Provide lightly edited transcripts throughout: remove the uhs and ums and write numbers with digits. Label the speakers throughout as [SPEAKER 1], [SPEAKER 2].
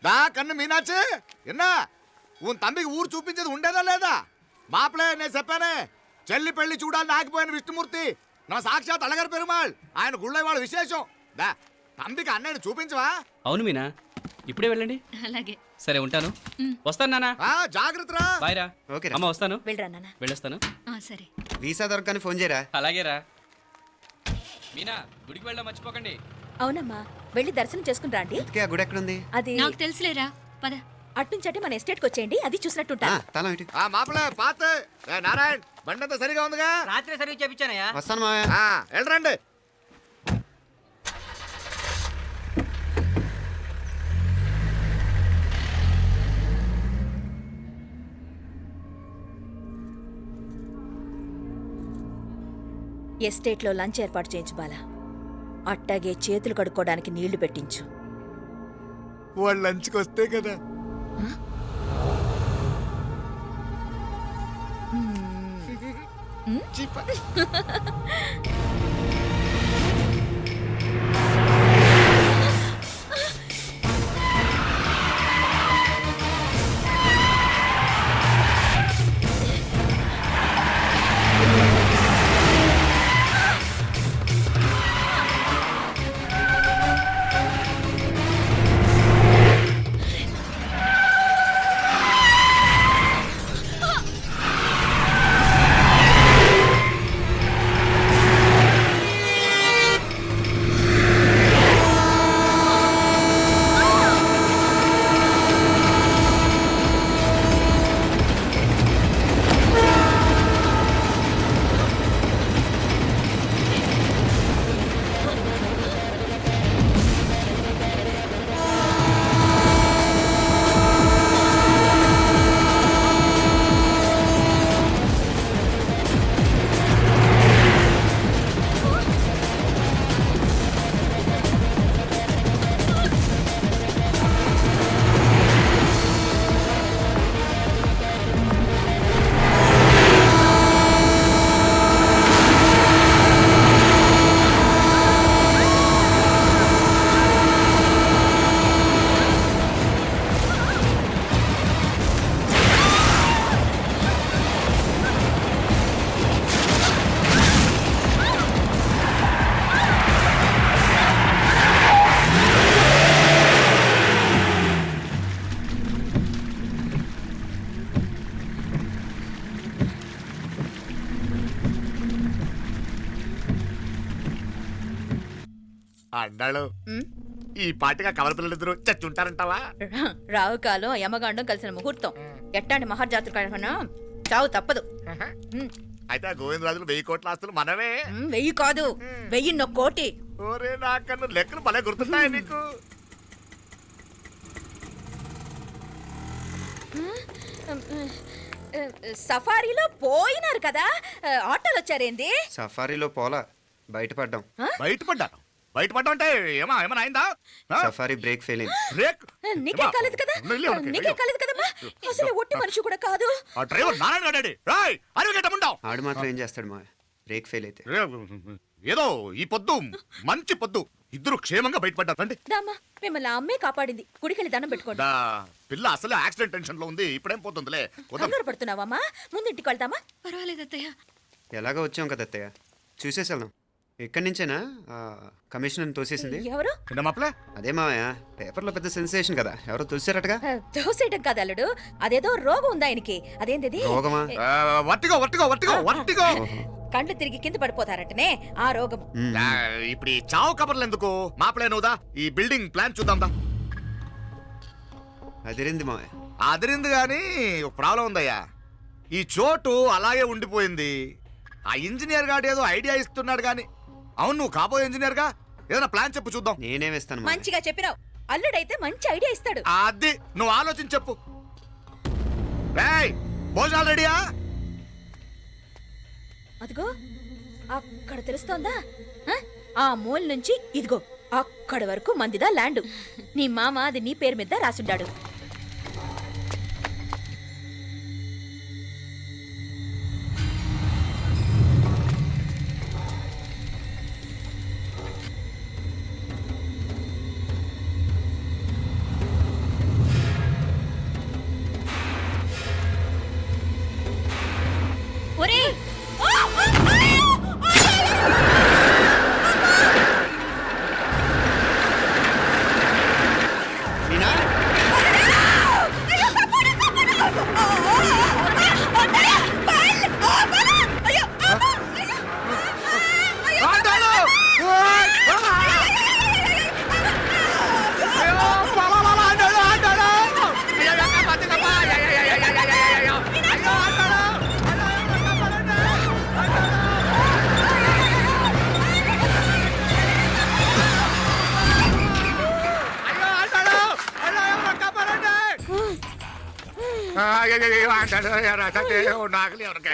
[SPEAKER 1] కన్ను మీనాచి ఎన్నా ఉన్ తండ్రికి ఊరు చూపించేది ఉండేదా లేదా మాపలే నేను చెప్పానే చెల్లి పెళ్లి చూడాలని ఆగిపోయిన విష్ణుమూర్తి నా సాక్షాత్ అలగారి పెరుమాళ్ ఆయన గుళ్ళ వాళ్ళ విశేషం దా తండ్రికి అన్నయ్యని చూపించవా.
[SPEAKER 2] అవును మీనా, ఇప్పుడే వెళ్ళండి.
[SPEAKER 3] అలాగే.
[SPEAKER 2] సరే ఉంటాను. వస్తాను నాన్న.
[SPEAKER 1] జాగ్రత్తరా.
[SPEAKER 2] బాయ్ రా.
[SPEAKER 4] ఓకే
[SPEAKER 2] అమ్మ వస్తాను.
[SPEAKER 3] వెళ్ళరా నాన్న.
[SPEAKER 2] వెళ్ళొస్తాను.
[SPEAKER 3] సరే.
[SPEAKER 4] వీసా దొరకని ఫోన్ చేయరా.
[SPEAKER 2] అలాగే రా. మీనా, గుడికి వెళ్ళడం మర్చిపోకండి.
[SPEAKER 3] అవునమ్మా, వెళ్ళి దర్శనం చేసుకుని రండి.
[SPEAKER 4] ఆ గుడి ఎక్కడుంది?
[SPEAKER 3] అది నాకు తెలుసులేరా, పద. అట్నుంచటే మన ఎస్టేట్కి వచ్చేయండి, అది చూసినట్టుంటా.
[SPEAKER 4] తల ఇటు.
[SPEAKER 1] మాపలే పాత నారాయణ్ బండంతా సరిగా ఉందిగా.
[SPEAKER 5] రాత్రి సర్వీస్ చేయించానయ్యా.
[SPEAKER 4] వస్తాను మావయ్య.
[SPEAKER 1] వెళ్ళరండి.
[SPEAKER 3] ఎస్టేట్లో లంచ్ ఏర్పాటు చేయించు బాలా. అట్టాగే చేతులు కడుక్కోవడానికి నీళ్లు పెట్టించు.
[SPEAKER 1] వాళ్ళు లంచ్కి వస్తే కదా. అన్నాడు ఈ పాటిగా కవల పిల్లలిద్దరు చచ్చుంటారంటావా?
[SPEAKER 3] రావు కాలం యమగాండం కలిసిన ముహూర్తం. ఎట్టాంటి మహర్జాతృ కన్నా చావు తప్పదు.
[SPEAKER 1] అయితే ఆ గోవిందరాజులు 1000 కోట్ల ఆస్తులు మనమే.
[SPEAKER 3] 1000 కాదు, 1001 కోటి.
[SPEAKER 1] ఓరే నాకన్ను లెక్కలు భలే గుర్తున్నాయి నీకు.
[SPEAKER 3] సఫారీలో పోయినారు కదా, ఆటోలు వచ్చారేంది?
[SPEAKER 4] సఫారీలో పోలా, బయటపడ్డాం.
[SPEAKER 1] బయటపడ్డా అంటే ఏమైనా అయిందా?
[SPEAKER 4] సఫారీ బ్రేక్ ఫెయిల్ అయింది.
[SPEAKER 1] బ్రేక్
[SPEAKER 3] నీకే కాలేదు కదా, నీకే కాలేదు కదమ్మా. అసలు ఒట్టి మనిషి కూడా కాదు.
[SPEAKER 1] ఆ డ్రైవర్ నారాయణ గాడి అరవగేటముండావు.
[SPEAKER 4] ఆడు మాత్రం ఏం చేస్తాడు మా బ్రేక్ ఫెయిల్ అయితే.
[SPEAKER 1] ఏదో ఈ పొద్దు మంచి పొద్దు ఇద్దరు క్షేమంగా బయటపడ్డారండి.
[SPEAKER 3] దామా, మిమ్మల్ని ఆ అమ్మే కాపాడింది. గుడికెళ్ళి దండం పెట్టుకోండి.
[SPEAKER 1] పిల్ల అసలు యాక్సిడెంట్ టెన్షన్ లో ఉంది, ఇప్పుడేం పోతుందిలే.
[SPEAKER 3] కంగారు పడుతున్నావమ్మా, ముందు ఇంటికి వెళ్తామా? పర్వాలేదు అత్తయ్య.
[SPEAKER 4] ఎలాగో వచ్చాం కదా అత్తయ్య, చూసేసి వెళ్దాం. ఎక్కడి నుంచేనా కమిషనర్ తోసేసింది?
[SPEAKER 3] ఎవరు?
[SPEAKER 4] అదే మావయ్య, పేపర్లో పెద్ద సెన్సేషన్ కదా, ఎవరో తోసారటగా.
[SPEAKER 3] తోసేయటం కాదు అల్లుడు, అదేదో రోగం ఉంది ఆయనకి. అదేంటిది?
[SPEAKER 4] రోగమా?
[SPEAKER 3] కండ్లు తిరిగి కింద పడిపోతారటనే ఆ రోగం.
[SPEAKER 1] ఇప్పుడు ఈ చావు కబర్లు ఎందుకు? మాపలే నువ్వుదా ఈ బిల్డింగ్ ప్లాన్ చూద్దాందా.
[SPEAKER 4] అదిరింది మావయ్య.
[SPEAKER 1] అదిరింది గాని ఒక ప్రాబ్లం ఉందయ్యా. ఈ చోటు అలాగే ఉండిపోయింది. ఆ ఇంజనీర్ గాడు ఏదో ఐడియా ఇస్తున్నాడు గాని. అవును, నువ్వు కాబోయే ఇంజనీర్ గా ఏదైనా ప్లాన్ చెప్పు చూద్దాం.
[SPEAKER 4] నేనేమిస్తాను?
[SPEAKER 3] మంచిగా చెప్పినావు. అల్లుడైతే మంచి ఐడియా ఇస్తాడు.
[SPEAKER 1] అది నువ్వు ఆలోచించి చెప్పు. భోజనాలు రెడీయా?
[SPEAKER 3] అదిగో అక్కడ తెలుస్తోందా? ఆ మూల నుంచి ఇదిగో అక్కడ వరకు మందిదా ల్యాండ్. నీ మామ అది నీ పేరు మీద రాసుండాడు.
[SPEAKER 1] నాగలి ఎవరికే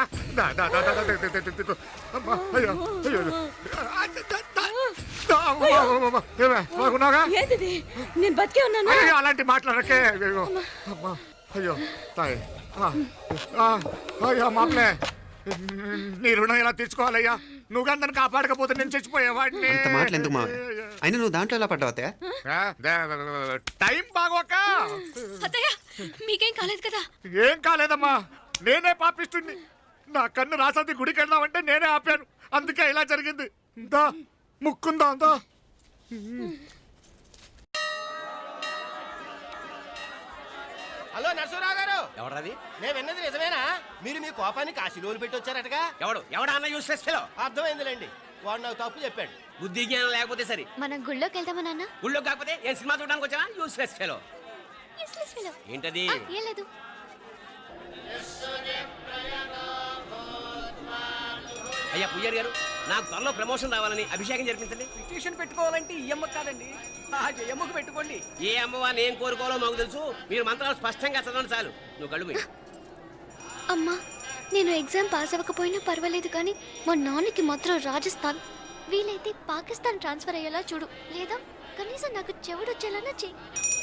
[SPEAKER 1] బాగున్నాగా
[SPEAKER 3] ఏంటిది నేను బతికే ఉన్నాను
[SPEAKER 1] అలాంటి మాట్లాడకే అయ్యో అమ్మా అయ్యో తాయి అయ్యో మామలే నీ రుణం ఎలా తీర్చుకోవాలయ్యా నువ్వు అందరిని కాపాడకపోతే నేను చచ్చిపోయేవాడిని
[SPEAKER 4] అంత మాటలు ఎందుకు మావయ్య అయినా నువ్వు దాంట్లో ఎలా పడ్డావు అత్తయ్య
[SPEAKER 1] టైం బాగోక
[SPEAKER 5] అత్తయ్య మీకేం కాలేదు కదా?
[SPEAKER 1] ఏం కాలేదమ్మా నేనే పాపిస్తుంది నా కన్ను రాసాది గుడికి వెళ్దామంటే నేనే ఆపాను అందుకే ఇలా జరిగింది దా ముక్కుందా అందా
[SPEAKER 6] హలో నరసరావు గారు,
[SPEAKER 2] ఎవడది?
[SPEAKER 6] నేను విన్నది నిజమేనా? మీరు మీ కోపాన్ని కాశీలోలు పెట్టి వచ్చారటగా?
[SPEAKER 2] ఎవడన్నా యూస్ చేస్తేలో
[SPEAKER 6] అర్థమైందిలేండి, వాడు నాకు తప్పు చెప్పాడు.
[SPEAKER 2] బుద్ధి జ్ఞానం లేకపోతే సరే.
[SPEAKER 5] మనం గుళ్ళోకి వెళ్దామా నాన్న?
[SPEAKER 2] ఊళ్ళో కాకపోతే ఏం సినిమా చూడడానికి వచ్చావా? యూస్ చేస్తేలో
[SPEAKER 5] Useless fellow.
[SPEAKER 2] ఏంటది?
[SPEAKER 5] ఏం లేదు.
[SPEAKER 2] అయ్యా పుయ్యర్ గారు, నాకు త్వరలో ప్రమోషన్ రావాలని అభిషేకం జరిపించండి.
[SPEAKER 7] పిటిషన్ పెట్టుకోవాలంటే ఈ అమ్మ కాదండి, ఆ జయమ్మకు పెట్టుకోండి.
[SPEAKER 2] ఏ అమ్మవారిని ఏం కోరుకోవాలో మాకు తెలుసు. మీరు మంత్రాలు స్పష్టంగా చదవండి చాలు. నువ్వు కళ్ళు మూయి.
[SPEAKER 5] అమ్మా, నేను ఎగ్జామ్ పాస్ అవ్వకపోయినా పర్వాలేదు కానీ మా నాన్నకి మాత్రం రాజస్థాన్ వీలైతే పాకిస్తాన్ ట్రాన్స్ఫర్ అయ్యేలా చూడు, లేదా కనీసం నాకు చెవుడొచ్చేలానా చెయ్యి.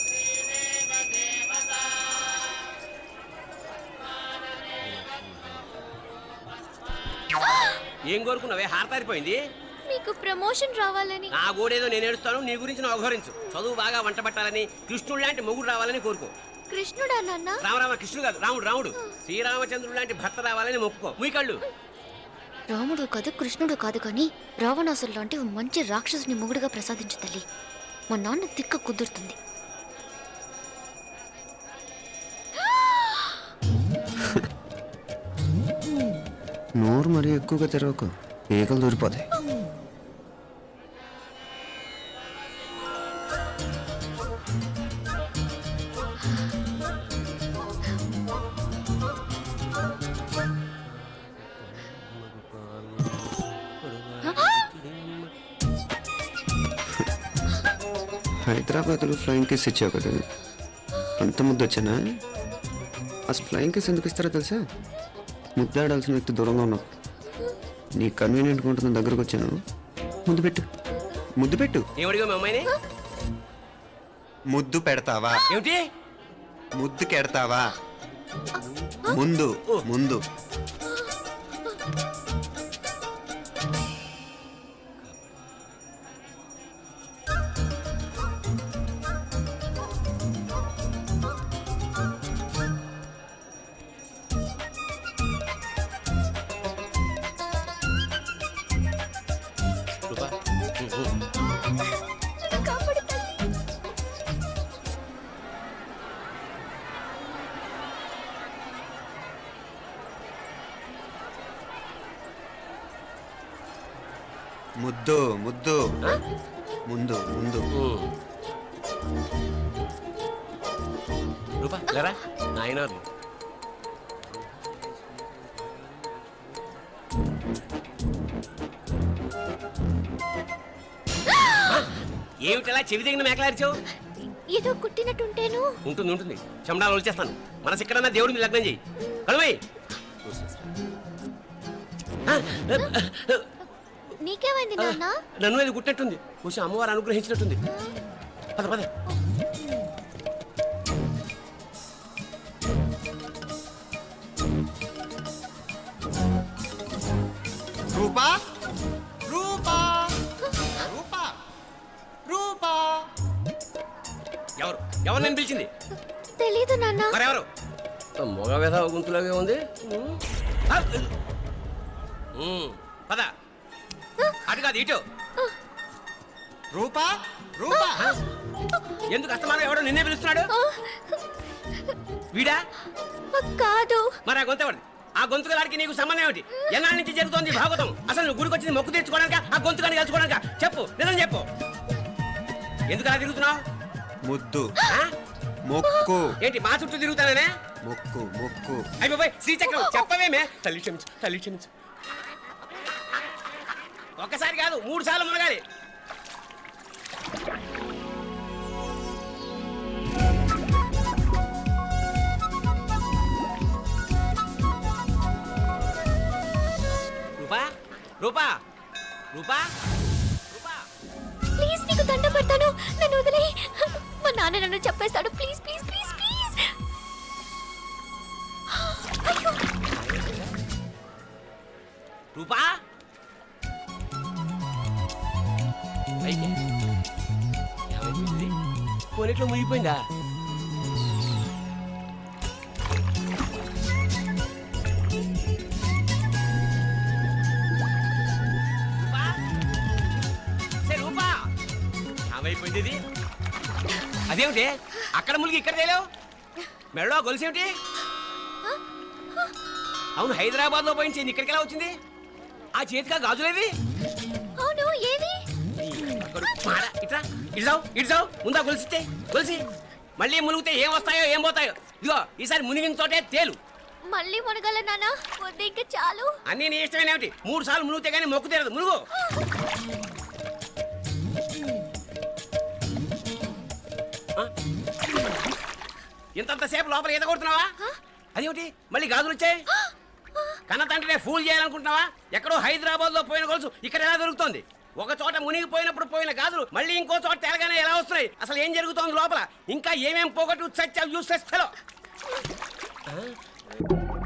[SPEAKER 2] ఏం కోరుకున్నావే? హారతారిపోయింది.
[SPEAKER 5] మీకు ప్రమోషన్ రావాలని.
[SPEAKER 2] నా గోడేదో నేను ఏడుస్తాను, నీ గురించి నువ్వు అఘోరించు. చదువు బాగా వంట పట్టాలని, కృష్ణుడు లాంటి మొగుడు రావాలని కోరుకో.
[SPEAKER 5] కృష్ణుడా నాన్న?
[SPEAKER 2] రామరామ కృష్ణుడు కాదు, రాముడు రాముడు. శ్రీరామచంద్రుడు లాంటి భర్త రావాలని మొక్కుకో. ముయ్యి కళ్ళు.
[SPEAKER 5] రాముడు కాదు కృష్ణుడు కాదు కానీ రావణాసురు లాంటి ఓ మంచి రాక్షసుని మొగుడుగా ప్రసాదించు తల్లి. మా నాన్న తిక్క కుదురుతుంది.
[SPEAKER 4] నోరు మరీ ఎక్కువగా తెరవకు, ఈకలు దూరిపోతాయి. హైదరాబాద్లో ఫ్లయింగ్ కేస్ ఇచ్చావు కదా, అంత ముద్దు వచ్చానా? అసలు ఫ్లయింగ్ కేస్ ఎందుకు ఇస్తారో తెలుసా? ముద్దాడాల్సిన వ్యక్తి దూరంగా ఉన్నావు. నీ కన్వీనియంట్గా ఉంటుంది దగ్గరకు వచ్చాను. ముద్దు పెట్టు, ముద్దు పెట్టు.
[SPEAKER 2] ఏమడిగా మీ అమ్మాయిని?
[SPEAKER 4] ముద్దు పెడతావా?
[SPEAKER 2] ఏమిటి?
[SPEAKER 4] ముద్దు కెడతావా? ముందు ముందు. ముద్దు ముద్దు ముందు ముందు.
[SPEAKER 2] రూపా లేరా నాయనారు. ఏమిటలా చెవి దగ్గర మేకలారిచావు?
[SPEAKER 5] ఏదో కుట్టినట్టుంటేను.
[SPEAKER 2] ఉంటుంది ఉంటుంది, చెమడాలు వచ్చేస్తాను. మనసు ఎక్కడన్నా దేవుడిని లగ్నం చేయి. కలువై.
[SPEAKER 5] నీకేమైంది నాన్న?
[SPEAKER 2] నన్ను అది గుట్టినట్టుంది, కొంచెం అమ్మవారు అనుగ్రహించినట్టుంది. పద పద.
[SPEAKER 1] రూపా రూపా రూపా రూపా
[SPEAKER 2] ఎవరు ఎవరు నేను పిలిచింది?
[SPEAKER 5] తెలీదు నాన్న.
[SPEAKER 2] మరెవరు? మగ వేధ గుంతులాగే ఉంది. పద. అటు కాదు ఇటు.
[SPEAKER 1] రూపా రూపా
[SPEAKER 2] ఎందుకు అస్తమానం ఎవడో నిన్నే పిలుస్తున్నాడు? వీడా?
[SPEAKER 5] కాదు.
[SPEAKER 2] మరి ఆ గొంతు ఎవరిది? ఆ గొంతుకలాడికి నీకు సంబంధం ఏమిటి? ఎన్నాళ్ళ నుంచి జరుగుతోంది భాగవతం? అసలు నువ్వు గుడికి వచ్చింది మొక్కు తీర్చుకోవడానిక, ఆ గొంతుకాన్ని కలుసుకోవడానిక? చెప్పు, నిజం చెప్పు. ఎందుకు అలా తిరుగుతున్నావు?
[SPEAKER 4] ముద్దు మొక్కు.
[SPEAKER 2] ఏంటి మా చుట్టూ తిరుగుతానే?
[SPEAKER 4] మొక్కు మొక్కు.
[SPEAKER 2] అయిపోయి శ్రీచక్రం చెప్పవేమే? తల్లి క్షమించు, తల్లి క్షమించు. ఒక్కసారి కాదు 3 సార్లు మునగాలి. రూపా రూపా రూపా
[SPEAKER 5] ప్లీజ్ నీకు దండ పెడతాను, నన్ను వదిలే. మా నాన్న నన్ను చెప్పేస్తాడు. Please please please please. అయ్యో,
[SPEAKER 2] రూపా పైకి. ఏమైంది? పోనీట్లో మునిగిపోయిందా? రూపా? సే రూపా, ఏమైపోయింది ఇది? అదేమిటి అక్కడ మునిగి ఇక్కడ తేలేవు? మెడలో గొలుసేమిటి? అవును, హైదరాబాద్ లో పోయించింది, ఇక్కడికి ఎలా వచ్చింది? ఆ చేతిగా గాజులేవి?
[SPEAKER 5] అవును ఏవి?
[SPEAKER 2] ఇట్రా ఇడ్సావు ముందా గొలిసితే గొలిసి మళ్ళీ మునిగితే ఏం వస్తాయో ఏం పోతాయో. ఇదిగో ఈసారి మునిగిన చోటే తేలు.
[SPEAKER 5] మళ్ళీ మునగల నాన్న, వద్దు ఇంకా చాలు.
[SPEAKER 2] అన్నీ నీ ఇష్టమైన ఏమిటి? 3 సార్లు మునిగితే కానీ మొక్కు తీరదు. మునుగు. ఇంతంతసేపు లోపల ఈత కొడుతున్నావా? అదేమిటి మళ్ళీ గాజులు వచ్చాయి? కన్న తండ్రినే ఫూల్ చేయాలనుకుంటున్నావా? ఎక్కడో హైదరాబాద్ లో పోయిన గొలుసు ఇక్కడ ఎలా దొరుకుతోంది? ఒక చోట మునిగిపోయినప్పుడు పోయిన గాజులు మళ్ళీ ఇంకో చోట తేలగానే ఎలా వస్తున్నాయి? అసలు ఏం జరుగుతోంది లోపల? ఇంకా ఏమేం పోగొట్టు చచ్చావు యూస్లెస్ ఫెలో.